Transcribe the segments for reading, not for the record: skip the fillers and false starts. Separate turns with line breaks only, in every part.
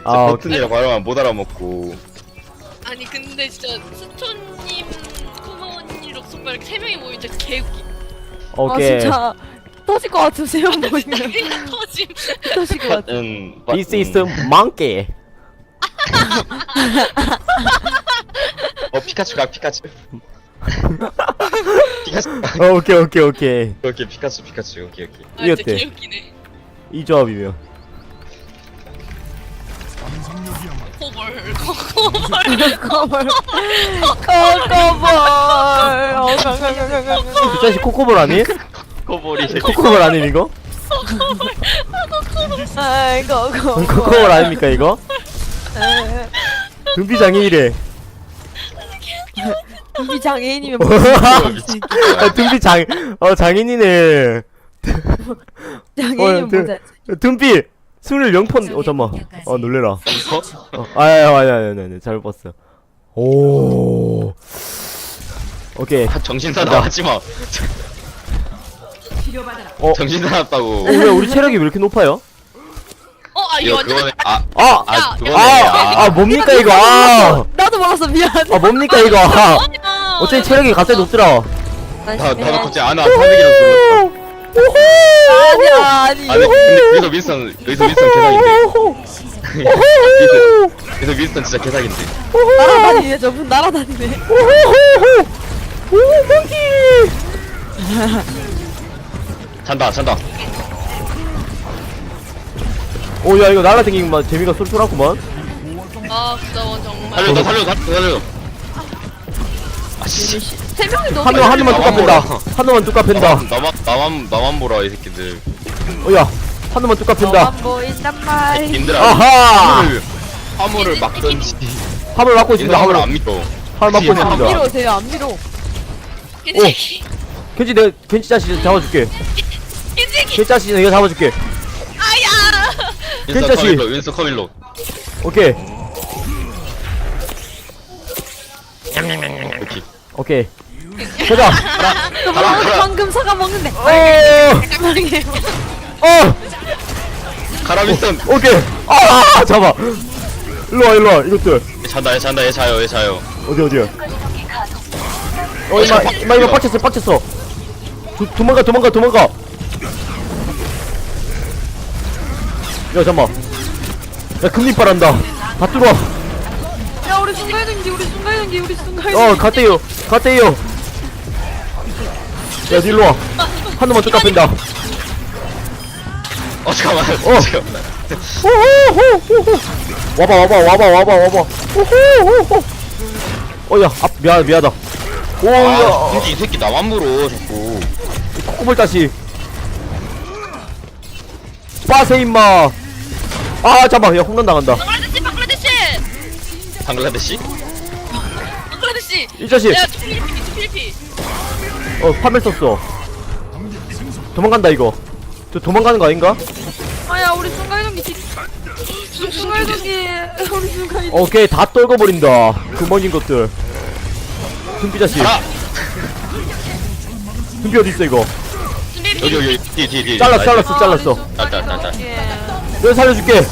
아,
버튼이라 발음만 못 알아먹고.
아니 근데 진짜 스톤님, 쿠마원님, 록소빠 이렇게 3명이 모이면 진짜 개웃기.
오케이.
아 진짜 터질 것 같으세요 보이면.
그냥 터짐.
터질 것 같아.
This is monkey.
피카츄가 피카츄. 피카츄.
오케이 오케이 오케이.
오케이 피카츄 오케이 오케이.
아 진짜
이겼대.
개웃기네.
이 조합이면.
코볼.
커벌.
그 자식 코코볼 아니?
코볼이
코코볼 아님 이거?
아이고
코코볼 아닙니까 이거? 등비 장애이래.
준비 장애인이면
아, 등비 장인이네.
장애인이면 뭐지?
등비 24폰. 잠만. 놀래라. 아니 잘못 봤어. 오. 오케이.
정신사나 하지마. 정신 사납다고.
왜 우리 체력이 왜 이렇게 높아요?
이거 완전
그거네.
아 뭡니까 이거?
나도 몰랐어 미안해.
뭡니까 이거? 어차피 체력이 갑자기 높더라.
나도 갑자기 아나 사백이라서 놀랐다.
아니.
아니 근데 여기서 윈스턴 개사기인데. 여기서 윈스턴 진짜 개사기인데.
날아다니네 저분 날아다니네.
잔다.
오야 이거 날라다니기만 재미가 쏠쏠하구만.
구다원 정말.
살려. 아씨.
세 명이 너무.
한 놈만 뚝 갚는다. 한 놈만 뚝 갚는다.
나만 보라 이 새끼들.
야 한 놈만 뚝 갚는다.
너만 보인단 말.
님들아.
아하.
화물을 막던지.
화물 막고 있습니다.
화물
화물
안 믿어.
화물 막고
뒤에
안
있습니다.
밀어 쟤 안 밀어.
괜찮지?
켄지 내가 켄지 자식 잡아줄게.
괜찮지?
켄지 자식 내가 잡아줄게.
아야.
윈스턴 커밀로.
오케이
이렇게.
오케이. 가자.
가라.
방금 사과 먹는데.
가라 윈스턴.
오케이. 잡아. 일로와 이것들.
잔다 얘 자요.
어디야? 이마 이거 빡쳤어. 도망가. 야 잠만. 야 금리빨한다. 다 뚫어.
야 우리 순간이동기.
갔대요. 야 일로와. 한 놈만 뚝 갚는다.
잠깐만.
와봐. 야, 미안하다.
야, 이 새끼 나만 물어 자꾸.
코코볼 다시. 빠세 임마. 잠깐, 야 홈런 당한다.
방글라데시.
이 자식.
야 필리핀.
파멸 썼어. 도망간다 이거. 저 도망가는 거 아닌가?
아야 우리 순간이동기. 우리 순간이동.
오케이 다 떨궈버린다. 금방진 것들. 금비 자식. 금비 어디 있어 이거?
여기 뒤에.
잘랐어.
짤.
내가 살려줄게.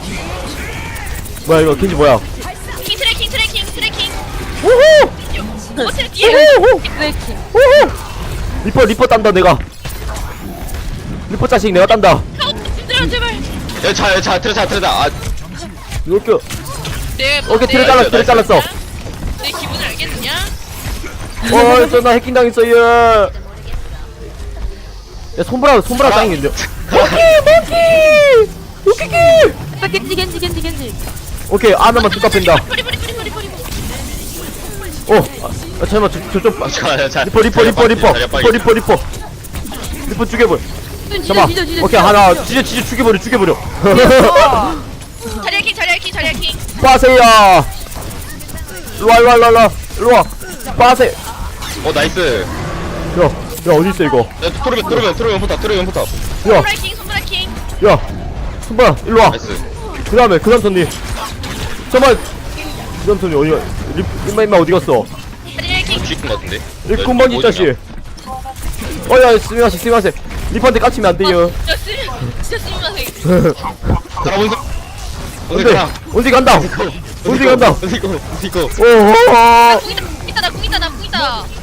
뭐야 이거 켄지 뭐야?
트래킹.
우후!
뒤에.
브레이킹.
리퍼 딴다 내가. 리퍼 자식 내가 딴다.
얘들아 제발.
차 트레다.
이렇게. 오케이
내
트레 잘랐어.
내 기분을 알겠느냐?
나 해킹 당했어 얘. 야 손브라 짱인데. 모키.
겐지.
오케이 하나만 뚝 갚힌다.
뿌리.
잠깐만 저좀 리퍼 죽여버려. 잠깐만. 오케이 하나 진짜 죽여버려.
자리야킹.
빠세야. 일로와. 빠세.
나이스.
야 어디 있어 이거?
트로면 포탑.
손브라킹.
야 손브라 일로와.
나이스.
그 다음 턴니. 잠깐만. 그 다음 턴니 어디가? 임마 어디 갔어?
자리야킹.
죽인 것 같은데.
이 군번지 자식. 야 스미마세. 리퍼한테 깝치면 안 돼요.
진짜 쓰임마세.
가라
안돼 원숭이 간다 원숭이 간다
이거
오호호
나 궁이다 나 궁이다 나 궁이다.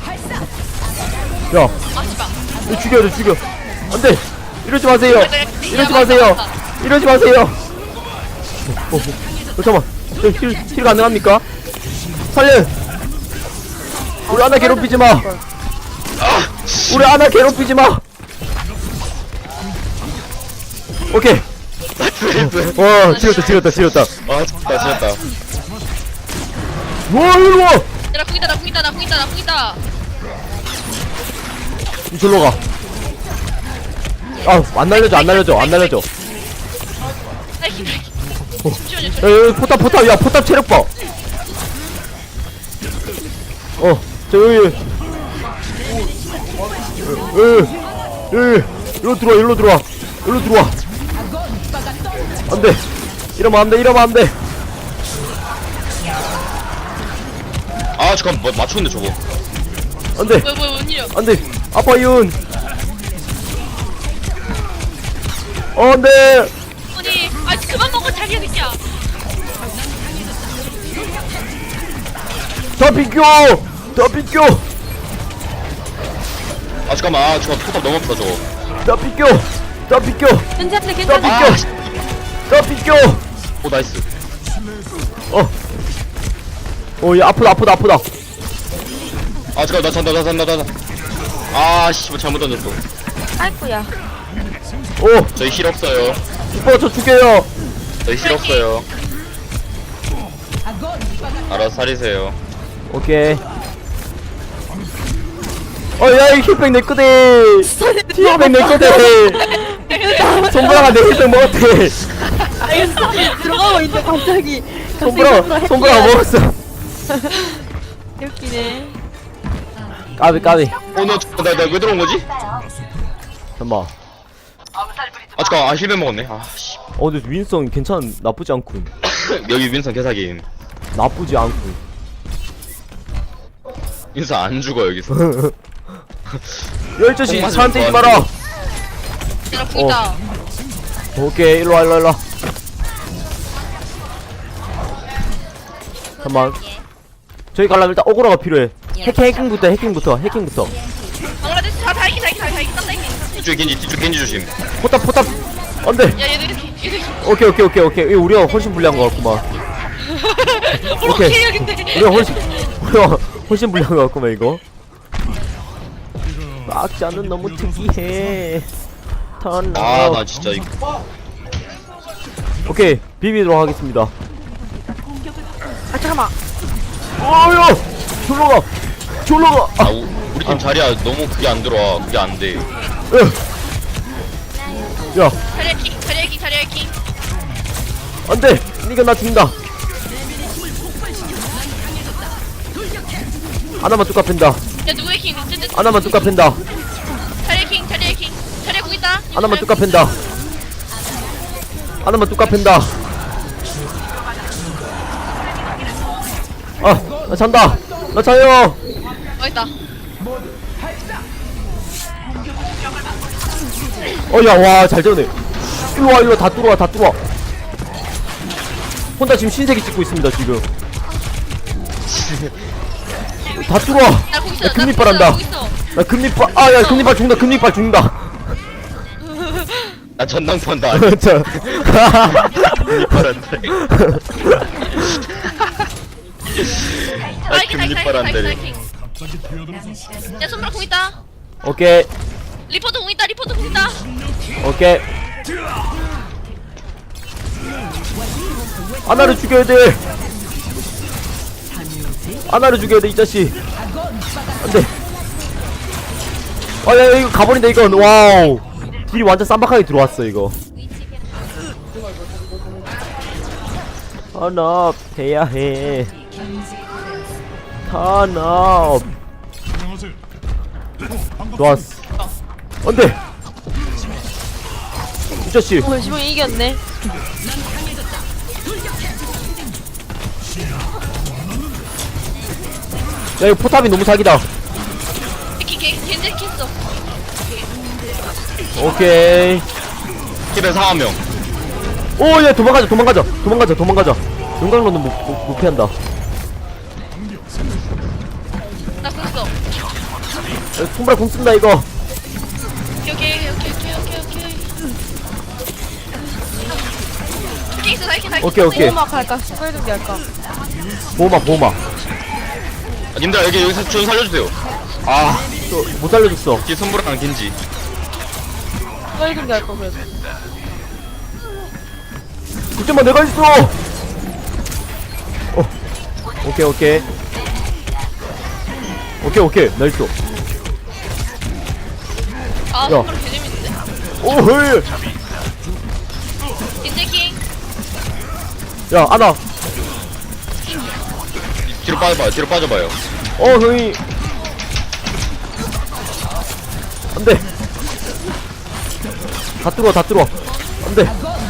야
아 씨발.
이거 죽여 이거 죽여 안돼 이러지 마세요 이러지 마세요 이러지 마세요 잠깐만 힐 가능합니까? 살려 우리 하나 괴롭히지 마 우리 하나 괴롭히지 마 오케이 와 지렸다
아 지렸다
와 일로 와
나 궁이다 나 궁이다 나 궁이다 나 궁이다.
이절로 가. 아, 안 날려줘.
나이키 잠시만요.
에, 포탑, 야, 포탑 체력 봐. 여기. 일로 들어와. 안 돼. 이러면 안 돼.
아 잠깐 뭐 맞췄는데 저거
안 돼.
뭐야 뭔 일이야?
안 돼. 아빠 이은. 안 돼.
아니 아 그만 먹어 자기야 새끼야.
더 비켜.
아 잠깐만 저거 포탑 너무 아프다 저거
더 비켜.
괜찮네.
더 비켜.
오 나이스
얘 아프다.
아 잠깐 나 잔다 아 씨발 잘못 던졌어
아이쿠야.
저희 힐 없어요
오빠 저 죽여요.
저희 힐 없어요 알아서 살리세요
오케이. 야, 이 힐백 내 거대. 힐백 내 거대. 손보라가 내 힐백 먹었대.
들어가고 있는데 갑자기.
손보라가 먹었어.
웃기네.
까비.
나왜 들어온 거지?
잠깐만.
아 잠깐 힐맨 먹었네 아씨
근데 윈성 나쁘지 않군.
여기 윈선 개사김
나쁘지 않군.
윈선 안 죽어 여기서
열저씨 사람 때리지 마라.
나 궁이다.
오케이, 일로 와. 잠깐만. 저기 가려면 일단 오고라가 필요해. 해킹부터.
방라데시 다 이기 딴다 이기.
뒤쪽에 겐지 조심
포탑. 안돼.
야 얘들 이렇게.
오케이. 이거 우리가 훨씬 불리한 거 같구만.
오케이 근데.
우리가 훨씬 불리한 거 같구만 이거. 악자는 너무 특이해.
나 진짜 이거
오케이, 비비도록 하겠습니다.
아 잠깐만.
야, 졸로 가.
우리 팀 자리야 너무 그게 안 들어와 그게 안돼
야,
자리야 킹.
안돼. 니가 나 죽인다. 하나만 뚝 갚힌다.
야 누구의 킹?
하나만 뚝 갚힌다.
자리야 킹. 자리야 궁 있다.
하나만 뚝 갚힌다. 나 잔다. 나 자요.
있다.
야, 와, 잘 되네. 일로 와, 다 뚫어와. 혼자 지금 신세계 찍고 있습니다, 지금. 다 뚫어와.
나궁 있어.
야, 금리빨 한다. 나 금리빨, 야, 금리빨 죽는다.
나 전당포한다
자.
금리빨한테 금리빨 한대
야 손브라 궁 있다.
오케이.
리포트 궁 있다.
오케이. 아나를 죽여야 돼. 이 자식. 안 돼. 야, 이거 가버린다, 이건. 와우. 딜이 완전 쌈박하게 들어왔어, 이거. 탄압 해야 해. 탄압. 좋았어. 안 돼. 이 자식.
시봉이 이겼네.
야, 이거 포탑이 너무 사기다.
겐젤 켰어.
오케이.
힐은 4명
오얘 도망가자. 용광로는 못 피한다.
나 컸어.
손브라 공 쓴다 이거.
오케이. 있어, 살게.
오케이.
보호막 할까? 스파이더기 할까?
보호막.
아, 님들 여기서 좀 살려주세요. 아,
또 못 살려줬어.
뒤에 손보라랑 겐지.
스파이더기 할까 그래도.
그때만 내가 있어. 오케이. 나이스.
아,
야.
손가락 개 재밌는데?
오헤이.
인제킹.
야 아나.
뒤로 빠져봐요.
형이. 안돼. 다 뚫어. 안돼.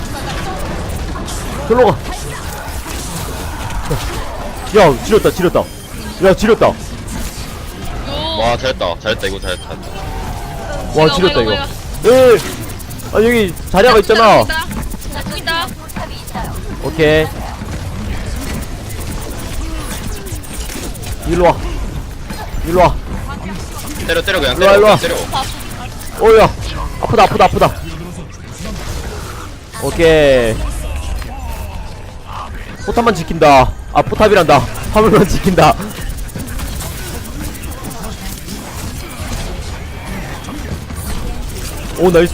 절로 가. 야 지렸다. 야 지렸다.
요.
와, 잘했다. 이거 잘했다.
와 지렸다
뭐야.
이거. 예. 아 여기 자리아가 있잖아.
나 죽인다.
오케이. 일로 와.
때려 그냥
일로 와.
때려.
오야. 아프다. 오케이. 포탑만 지킨다. 아 포탑이란다. 화물만 지킨다. 오 나이스.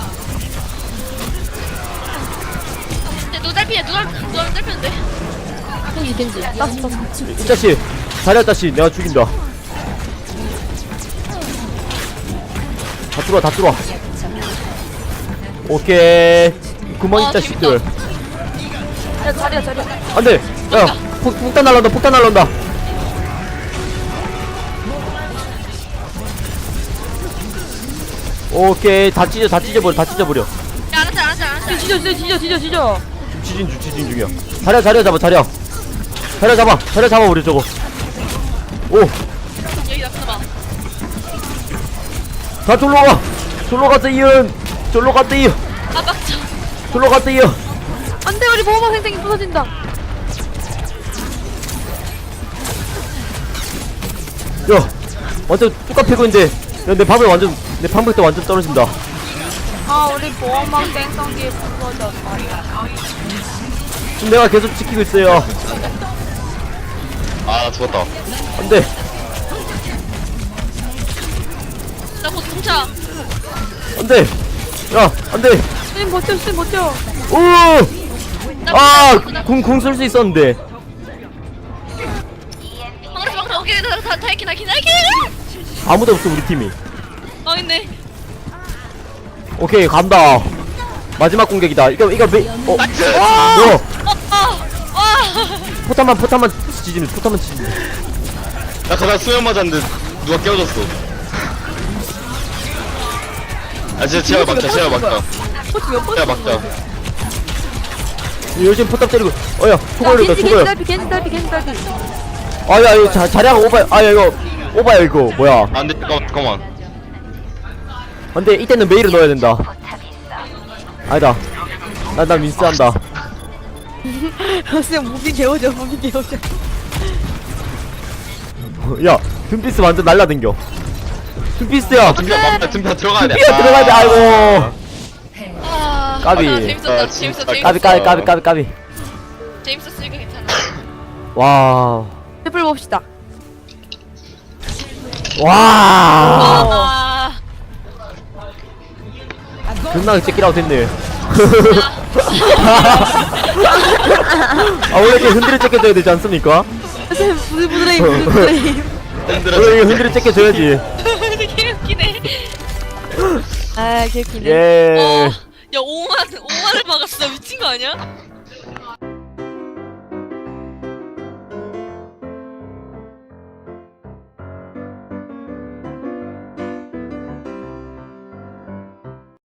누 딸피야. 누가 딸피는데?
겐지. 땄어.
이 자식. 자리아 자식 내가 죽인다. 다 뚫어. 오케이. 그만 이 자식들.
야 자리야.
안돼. 야 폭탄 날라온다. 오케이 다 찢어버려.
야, 알았어.
뒤져.
지진 중이야. 자리야 잡아 우리 저거. 오,
여기 나타나봐.
다 졸로 갔어요.
아, 빡쳐.
안돼 우리 보호막 생생이 부서진다.
야, 완전 뚜까 패고 있는데, 야, 내 방벽도 완전 떨어진다.
아 우리 보호막 생성기 부서졌다.
지금 내가 계속 지키고 있어요.
아, 나 죽었다.
안돼.
나 곧 공차.
안돼. 야, 안돼.
쌤 버텨.
오. 궁 쓸 수 있었는데.
방금 오케이. 다 했긴.
아무도 없어 우리 팀이.
망했네.
오케이 간다. 마지막 공격이다. 이거
나이스!
너
와.
포탄만 지지는.
나 가다 수면 맞았는데 누가 깨워줬어. 아, 진짜 제가 막자.
포트 몇 번?
제가 막자.
요즘 포탑 때리고. 어야 초과열이다.
겐지 딸피.
아야 이거 자리아가 오바야. 아야 이거 오바야 이거 뭐야.
안 돼, 잠깐만.
근데 이때는 메일을 넣어야 된다. 아니다. 난 민스한다.
쌤 무비 개워져.
야 둠피스 완전 날라댕겨. 둠피스야.
둠피야 들어가야 돼.
둠피야 들어가야 돼. 아이고. 까비.
재밌었다.
까비.
재밌었으니까 괜찮아.
와.
해볼 봅시다.
와.
아.
존나 째끼라고 됐네. 아 원래 이렇게 흔들어 째껴줘야 되지 않습니까?
쌤 부들부들해.
원래 이게 흔들어 째껴줘야지.
되게 웃기네.
아 개웃기네.
예.
야 5만을 막았어. 미친 거 아니야?